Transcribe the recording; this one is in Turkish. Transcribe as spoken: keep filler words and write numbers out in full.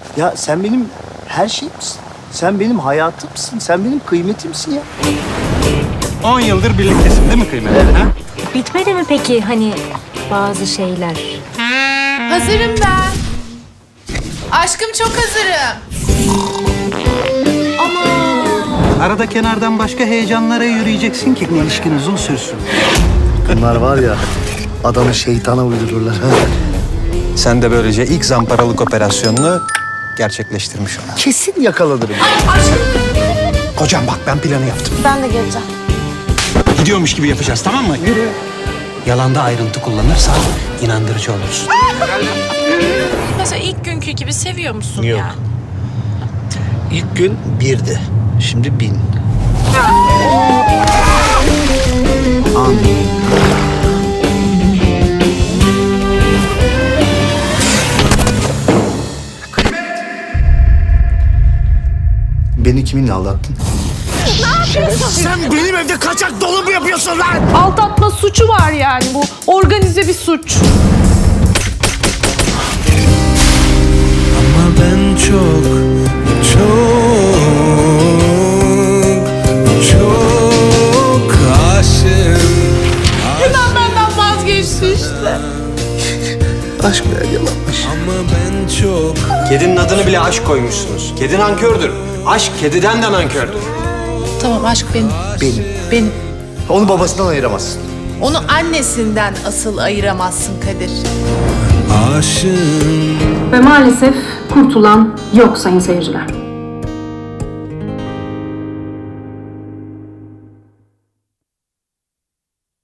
Ya sen benim her şeyimsin. Sen benim hayatımsın. Sen benim kıymetimsin ya. On yıldır birliktesin değil mi kıymet? Evet. Ha? Bitmedi mi peki hani bazı şeyler? Hazırım ben. Aşkım çok hazırım. Arada kenardan başka heyecanlara yürüyeceksin ki ilişkin uzun sürsün. Bunlar var ya adamı şeytana uydururlar. Sen de böylece ilk zamparalık operasyonunu gerçekleştirmiş ol. Kesin yakalanırım. Hocam bak ben planı yaptım. Ben de geleceğim. Gidiyormuş gibi yapacağız tamam mı? Yürü. Yalanda ayrıntı kullanırsan inandırıcı olursun. Mesela ilk günkü gibi seviyor musun Yok. yani? İlk gün birdi. Şimdi bin. Amin. Beni kiminle aldattın? Sen benim evde kaçak dolu mu yapıyorsun lan? Aldatma suçu var yani bu. Organize bir suç. Ama ben çok, çok, çok aşığım. Hemen benden vazgeçti işte. Aşk meğer yalanmış. Ama ben çok, Kedinin adını bile aşk koymuşsunuz. Kedi nankördür. Aşk kediden de nankördür. Tamam aşk benim. Benim. Benim. Onu babasından ayıramazsın. Onu annesinden asıl ayıramazsın Kadir. aşığım. Ve maalesef kurtulan yok sayın seyirciler.